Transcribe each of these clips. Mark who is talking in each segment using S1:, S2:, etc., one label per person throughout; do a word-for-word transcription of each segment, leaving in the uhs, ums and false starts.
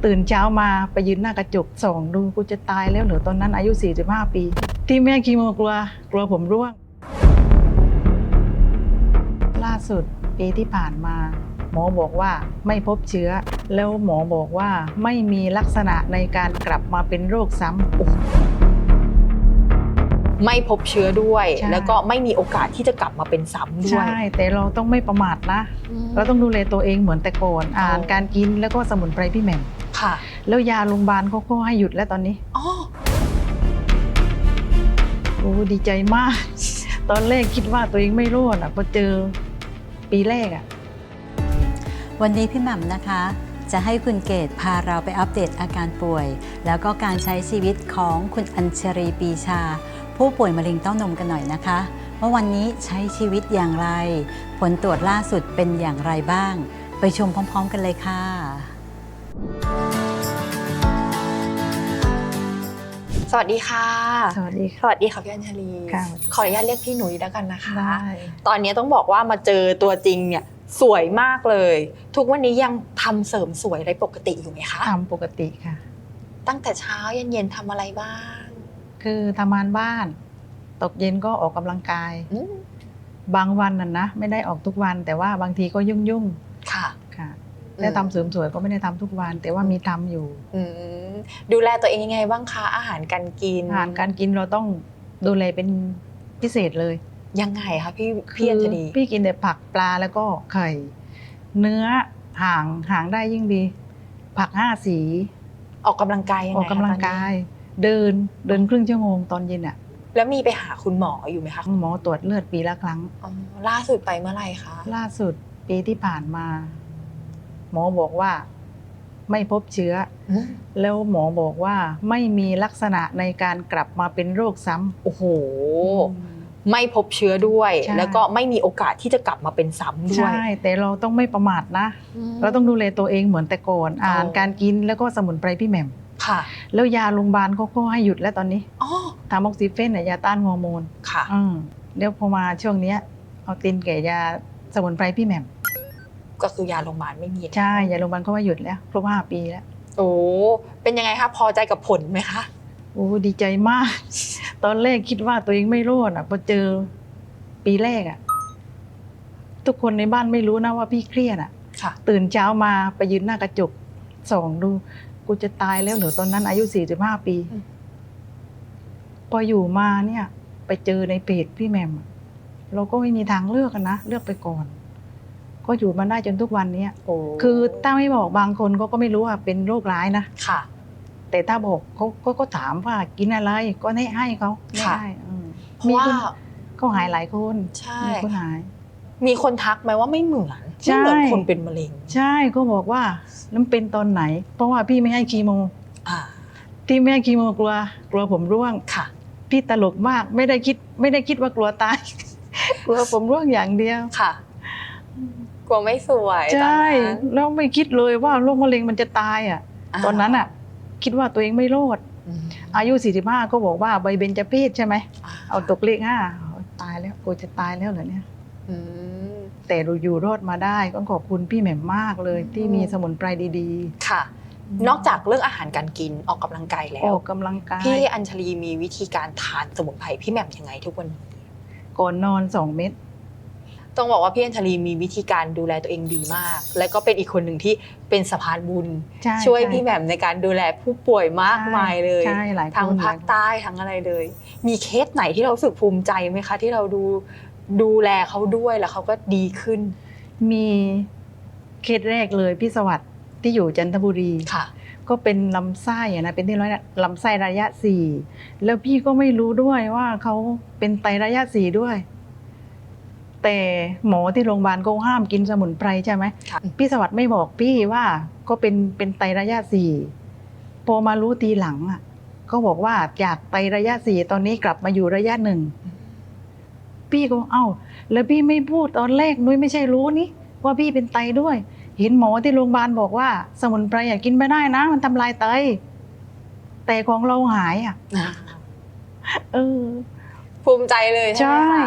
S1: ตื่นเช้ามาไปยืนหน้ากระจกส่องดูกูจะตายแล้วเหรอตอนนั้นอายุสี่สิบห้าปีที่แม่คีโมกลัวกลัวผมร่วงล่าสุดปีที่ผ่านมาหมอบอกว่าไม่พบเชื้อแล้วหมอบอกว่าไม่มีลักษณะในการกลับมาเป็นโรคซ้ำ
S2: ไม่พบเชื้อด้วยแล้วก็ไม่มีโอกาสที่จะกลับมาเป็นซ้ำด้วย
S1: ใช่แต่เราต้องไม่ประมาทนะเราต้องดูแลตัวเองเหมือนแต่ก่อนอ่านการกินแล้วก็สมุนไพรพี่แหม่ม
S2: ค่ะ
S1: แล้วยาโรงพยาบาลเขาก็ให้หยุดแล้วตอนนี้
S2: อ๋อ
S1: โอ้ดีใจมากตอนแรกคิดว่าตัวเองไม่รอดอ่ะพอเจอปีแรกอ่ะ
S3: วันนี้พี่แหม่มนะคะจะให้คุณเกศพาเราไปอัปเดตอาการป่วยแล้วก็การใช้ชีวิตของคุณอัญชรีปีชาผู้ป่วยมะเร็งเต้านมกันหน่อยนะคะว่าวันนี้ใช้ชีวิตอย่างไรผลตรวจล่าสุดเป็นอย่างไรบ้างไปชมพร้อมๆกันเลยค่ะ
S2: สวัสดีค่ะ
S1: สวัสดี
S2: สวัสดีค่ะพี่อัญชลีขออนุญาตเรียกพี่หนุ่ยแล้วกันนะคะตอนนี้ต้องบอกว่ามาเจอตัวจริงเนี่ยสวยมากเลยทุกวันนี้ยังทำเสริมสวยอะไรปกติอยู่ไหมคะ
S1: ทำปกติค่ะ
S2: ตั้งแต่เช้าเย็นๆทำอะไรบ้าง
S1: คือทำงานบ้านตกเย็นก็ออกกำลังกายบางวันน่ะนะไม่ได้ออกทุกวันแต่ว่าบางทีก็ยุ่งๆค่ะค่ะแต่ทำเสริมสวยก็ไม่ได้ทำทุกวันแต่ว่ามีทำอยู่
S2: ดูแลตัวเองยังไงบ้างคะอาหารการกิน
S1: อาหารการกินเราต้องดูแลเป็นพิเศษเลย
S2: ยังไงคะพี่พี่อัญชลี
S1: พี่กินแต่ผักปลาแล้วก็ไข่เนื้อห่างห่างได้ยิ่งดีผักห้าสี
S2: ออกกำลังกายยังไง
S1: ออกกำลังกายเดินเดินครึ่งชั่วโมงตอนเย็นอ่ะ
S2: แล้วมีไปหาคุณหมออยู่ไหมคะ
S1: หมอตรวจเลือดปีละครั้ง
S2: ล่าสุดไปเมื่อไหร่คะ
S1: ล่าสุดปีที่ผ่านมาหมอบอกว่าไม่พบเชื้อแล้วหมอบอกว่าไม่มีลักษณะในการกลับมาเป็นโรคซ้ำ
S2: โอ้โหไม่พบเชื้อด้วยแล้วก็ไม่มีโอกาสที่จะกลับมาเป็นซ้ำด้วย
S1: ใช่แต่เราต้องไม่ประมาทนะเราต้องดูแลตัวเองเหมือนแต่ก่อนอ่านการกินแล้วก็สมุนไพรพี่แหม่ม
S2: ค่ะ
S1: แล้วยาโรงพยาบาลเขาก็ให้หยุดแล้วตอนนี้ทาม็อกซิเฟนเนี่ยยาต้านฮอร์โมน
S2: ค่ะ
S1: เดี๋ยวพอมาช่วงนี้เอาตินแก่ยาสมุนไพรพี่แหม่ม
S2: ก็คือยาโรงพยาบาลไม่มี
S1: ใช่ยาโรงพยาบาลเขาว่าหยุดแล้วครบห้าปีแล้ว
S2: โอ้เป็นยังไงคะพอใจกับผลไหมคะ
S1: โอ้ดีใจมากตอนแรกคิดว่าตัวเองไม่รอดอ่ะพอเจอปีแรกอ่ะทุกคนในบ้านไม่รู้นะว่าพี่เครียดอ่ะตื่นเช้ามาไปยืนหน้ากระจกส่องดูกูจะตายแล้วเหรอตอนนั้นอายุสี่สิบห้าปีพออยู่มาเนี่ยไปเจอในเพจพี่แหม่มเราก็ไม่มีทางเลือกกันนะเลือกไปก่อนก็อยู่มาได้จนทุกวันนี้คือถ้าไม่บอกบางคนเขาก็ไม่รู้ว่าเป็นโรคร้ายนะ
S2: ค่ะ
S1: แต่ถ้าบอกเขาก็ก็ถามว่ากินอะไรก็ให้ให้เขาไม่ได้
S2: มีคน
S1: ก็หายหลายคน
S2: ใช่
S1: มีคนหาย
S2: มีคนทักไหมว่าไม่เหมือนไม่เหมือนคนเป็นมะเร็ง
S1: ใช่ก็บอกว่าน้ำเป็นตอนไหนเพราะว่าพี่ไม่ให้คีโมที่ไม่ให้คีโมกลัวกลัวผมร่วง
S2: ค่ะ
S1: พี่ตลกมากไม่ได้คิดไม่ได้คิดว่ากลัวตายกลัวผมร่วงอย่างเดียว
S2: ค่ะกลัวไม่สวย
S1: ใช่แล้วไม่คิดเลยว่าโรคมะเร็งมันจะตายอ่ะตอนนั้นอ่ะคิดว่าตัวเองไม่รอดอายุสี่สิบห้าก็บอกว่าใบเบญจเพศใช่ไหมเอาตกเลขห้าตายแล้วกูจะตายแล้วเหรอเนี่ยแต่เราอยู่รอดมาได้ก็ขอบคุณพี่แหม่มมากเลยที่มีสมุนไพรดี
S2: ๆค่ะนอกจากเรื่องอาหารการกินออกกำลังกายแล้ว
S1: ออกกำลังกาย
S2: พี่อัญชลีมีวิธีการทานสมุนไพรพี่แหม่มยังไงทุกวันนี้
S1: ก่อนนอนสองเม็ด
S2: ต้องบอกว่าพี่อัญชลีมีวิธีการดูแลตัวเองดีมากและก็เป็นอีกคนหนึ่งที่เป็นสะพานบุญช่วยพี่แหม่มในการดูแลผู้ป่วยมากมายเลยทั้งภาคใต้ทั้งอะไรเลยมีเคสไหนที่เรารู้สึกภูมิใจไหมคะที่เราดูดูแลเขาด้วยแล้วเขาก็ดีขึ้น
S1: มีเคสแรกเลยพี่สวัสดิ์ที่อยู่จันทบุรี
S2: ค่ะ
S1: ก็เป็นลำไส้นะเป็นที่ร้อยลำไส้ระยะสี่แล้วพี่ก็ไม่รู้ด้วยว่าเขาเป็นไตระยะสี่ด้วยแต่หมอที่โรงพยาบาลก็ห้ามกินสมุนไพรใช่ไหมพี่สวัสดิ์ไม่บอกพี่ว่าก็เป็นเป็นไตระยะสี่พอมารู้ทีหลังอ่ะก็บอกว่าจากไตระยะสี่ตอนนี้กลับมาอยู่ระยะหนึ่งพี่ก็เอ้าแล้วพี่ไม่พูดตอนแรกนุ้ยไม่ใช่รู้นี่ว่าพี่เป็นไตด้วยเห็นหมอที่โรงพยาบาลบอกว่าสมุนไพรอย่ากินไม่ได้นะมันทำลายไตแต่ของเราหายอ่ะเออ
S2: ภูมิใจเลยใช่ไหม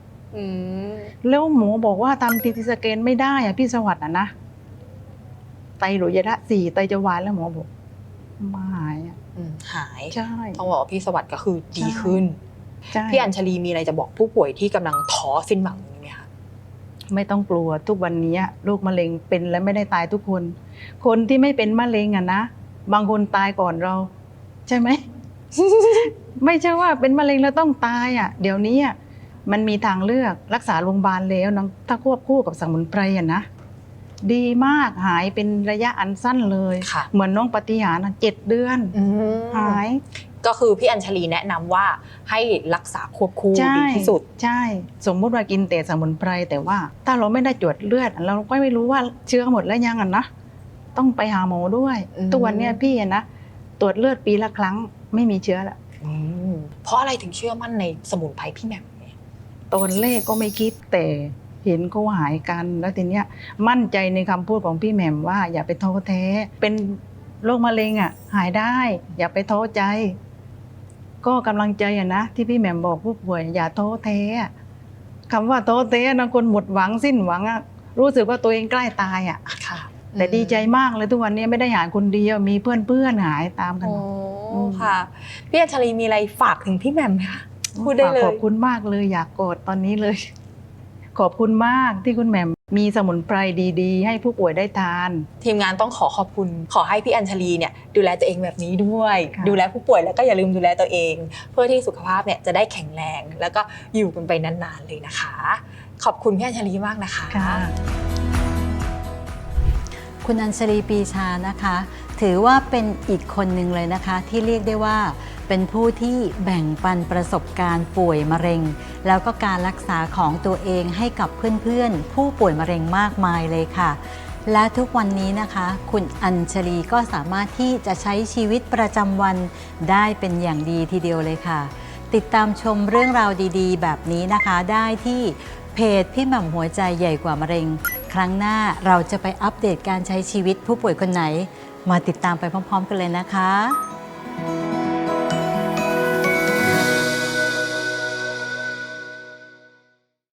S1: แล้วหมอบอกว่าทำทีทีสแกนไม่ได้อ่ะพี่สวัสดิ์อ่ะนะไตระยะสี่ไตจะวายแล้วหมอบอกมาหายอ่ะ
S2: อืมหาย
S1: ใช่
S2: ต้องบอกว่าพี่สวัสดิ์ก็คือดีขึ้น
S1: ใช่
S2: พี่อัญชลีมีอะไรจะบอกผู้ป่วยที่กำลังท้อสิ้นหวังนี้ไหมคะ
S1: ไม่ต้องกลัวทุกวันนี้โรคมะเร็งเป็นและไม่ได้ตายทุกคน คนที่ไม่เป็นมะเร็งอะนะบางคนตายก่อนเรา ใช่ไหม ไม่ใช่ว่าเป็นมะเร็งแล้วต้องตายอ่ะเดี๋ยวนี้อะมันมีทางเลือกรักษาโรงพยาบาลแล้วนะถ้าควบคู่กับสมุนไพรอะนะดีมากหายเป็นระยะอันสั้นเลย
S2: ค่ะ
S1: เหมือนน้องปฏิหารย์อะเจ็ดเดือน
S2: อืม
S1: หาย
S2: ก็คือพี่อัญชลีแนะนำว่าให้รักษาควบคู่
S1: ใช่
S2: ดีที่สุด
S1: ใช่ สมมุติว่ากินแต่สมุนไพรแต่ว่า ถ้าเราไม่ได้ตรวจเลือด เราก็ไม่รู้ว่าเชื้อหมดแล้วยังอ่ะนะต้องไปหาหมอด้วย
S2: อืม
S1: ตัวนเนี้ยพี่อะนะตรวจเลือดปีละครั้งไม่มีเชื้อละ
S2: อืมเพราะอะไรถึงเชื่อมั่นในสมุนไพรพี่แหม่มเนี่ย
S1: ตอนแรกก็ไม่คิดแต่เห็นเขาหายกันแล้วทีเนี้ยมั่นใจในคำพูดของพี่แหม่มว่า อย่าไปท้อแท้ เป็นโรคมะเร็งอ่ะ หายได้ อย่าไปท้อใจ ก็กำลังใจอะนะที่พี่แหม่มบอกผู้ป่วย อย่าท้อแท้อะคำว่าท้อแท้นะคนหมดหวังสิ้นหวังอะรู้สึกว่าตัวเองใกล้ตายอ่ะ
S2: ค่ะ
S1: แต่ดีใจมากเลยทุกวันนี้ไม่ได้หายคนเดียวมีเพื่อนเพื่อนๆหายตามกัน
S2: โอ้
S1: หมด อืม
S2: ค่ะ พี่อัญชลีมีอะไรฝากถึงพี่แหม่มไหมคะ พูดได้เลย
S1: ขอบคุณมากเลยอยากกอดตอนนี้เลย ขอบคุณมากที่คุณแหม่มมีสมุนไพรดีๆ ให้ผู้ป่วยได้ทาน
S2: ทีมงานต้องขอขอบคุณ ขอให้พี่อัญชลีเนี่ยดูแลตัวเองแบบนี้ด้วย
S1: ค่ะ
S2: ดูแลผู้ป่วยแล้วก็อย่าลืมดูแลตัวเอง เพื่อที่สุขภาพเนี่ยจะได้แข็งแรง แล้วก็อยู่กันไปนานๆเลยนะคะ ขอบคุณพี่อัญชลีมากนะคะ
S1: ค่ะ
S3: คุณอัญชลีปีชานะคะ ถือว่าเป็นอีกคนหนึ่งเลยนะคะ ที่เรียกได้ว่าเป็นผู้ที่แบ่งปันประสบการณ์ป่วยมะเร็ง แล้วก็การรักษาของตัวเองให้กับเพื่อนๆ ผู้ป่วยมะเร็งมากมายเลยค่ะ และทุกวันนี้นะคะ คุณอัญชลีก็สามารถที่จะใช้ชีวิตประจำวันได้เป็นอย่างดีทีเดียวเลยค่ะ ติดตามชมเรื่องราวดีๆ แบบนี้นะคะได้ที่เพจพี่หม่ำหัวใจใหญ่กว่ามะเร็ง ครั้งหน้าเราจะไปอัปเดตการใช้ชีวิตผู้ป่วยคนไหน มาติดตามไปพร้อมๆกันเลยนะคะ